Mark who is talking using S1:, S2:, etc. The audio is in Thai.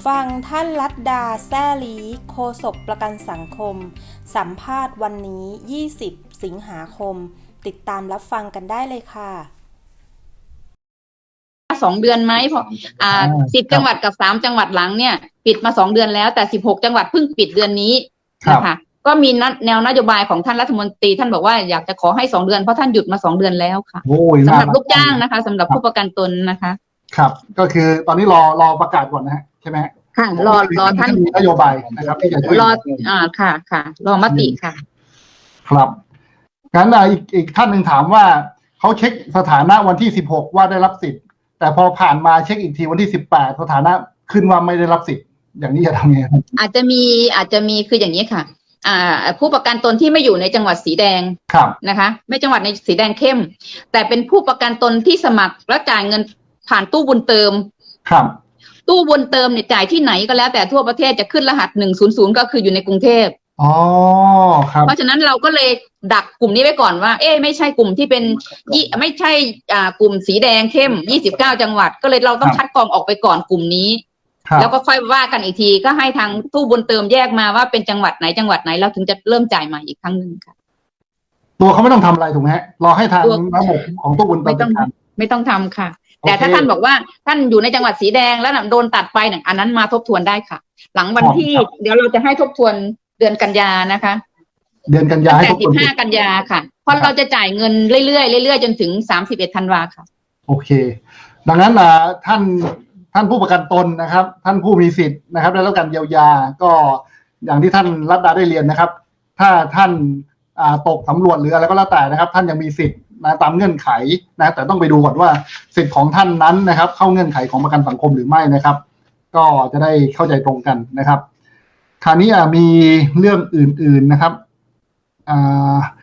S1: ฟังท่านลัดดาแซ่ลีโฆษกประกันสังคมสัมภาษณ์วันนี้ 20 สิงหาคม ติดตามรับฟังกันได้เลยค่ะ
S2: 2 เดือนไหมเพราะ10 จังหวัดกับ3 จังหวัดหลังเนี่ยปิดมา2 เดือนแล้วแต่16 จังหวัดเพิ่งปิดเดือนนี้นะคะก็มีแนวนโยบายของท่านรัฐมนตรีท่านบอกว่าอยากจะขอให้2 เดือนเพราะท่านหยุดมา2 เดือนแล้วค่ะสำหรับลูกจ้างนะคะสำหรับผู้ประกันตนนะคะ
S3: ครับก็คือตอนนี้รอประกาศก่อนนะฮะใช่ไหม
S2: ค่ะรอท่าน
S3: มีนโยบายนะครับที่จะช่วย
S2: รอค่ะรอมติค่ะ
S3: ครับงั้นอีกท่านหนึ่งถามว่าเขาเช็คสถานะวันที่16ว่าได้รับสิทธิ์แต่พอผ่านมาเช็คอีกทีวันที่18สถานะขึ้นว่าไม่ได้รับสิทธิ์อย่างนี้จะทำยังไงครับ
S2: อาจจะมีคืออย่างนี้ค่ะผู้ประกันตนที่ไม่อยู่ในจังหวัดสีแดงนะคะไม่จังหวัดในสีแดงเข้มแต่เป็นผู้ประกันตนที่สมัครแล้วจ่ายเงินผ่านตู้บุญเติม
S3: ครับ
S2: ตู้บุญเติมเนี่ยจ่ายที่ไหนก็แล้วแต่ทั่วประเทศจะขึ้นรหัส100ก็คืออยู่ในกรุงเทพ
S3: อ๋อครับ
S2: เพราะฉะนั้นเราก็เลยดักกลุ่มนี้ไว้ก่อนว่าไม่ใช่กลุ่มที่เป็นไม่ใช่กลุ่มสีแดงเข้ม29 จังหวัดก็เลยเราต้องคัดกรองออกไปก่อนกลุ่มนี้แล้วก็ค่อยว่ากันอีกทีก็ให้ทางตู้บุญเติมแยกมาว่าเป็นจังหวัดไหนเราถึงจะเริ่มจ่ายใหม่อีกครั้งนึงค่ะ
S3: ตัวเขาไม่ต้องทำอะไรถูกไหมฮะรอให้ทางระบบของตู้บุญเติม
S2: ไม่ต้องทำค่ะแต่ถ้าท่านบอกว่าท่านอยู่ในจังหวัดสีแดงแล้วโดนตัดไปเนี่ยอันนั้นมาทบทวนได้ค่ะหลังวันที่เดี๋ยวเราจะให้ทบทวนเดือนกันยานะคะ
S3: เดือนกันยา
S2: แต่15 กันยาค่ะเพราะเราจะจ่ายเงินเรื่อยๆจนถึง31 ธันวาค่ะ
S3: โอเคดังนั้นท่านผู้ประกันตนนะครับท่านผู้มีสิทธิ์นะครับได้รับการเยียวยาก็อย่างที่ท่านรัตดาได้เรียนนะครับถ้าท่านตกสำรวจหรืออะไรก็แล้วแต่นะครับท่านยังมีสิทธิ์นะตามเงื่อนไขนะแต่ต้องไปดูก่อนว่าสิทธิ์ของท่านนั้นนะครับเข้าเงื่อนไขของประกันสังคมหรือไม่นะครับก็จะได้เข้าใจตรงกันนะครับคราวนี้มีเรื่องอื่นๆนะครับ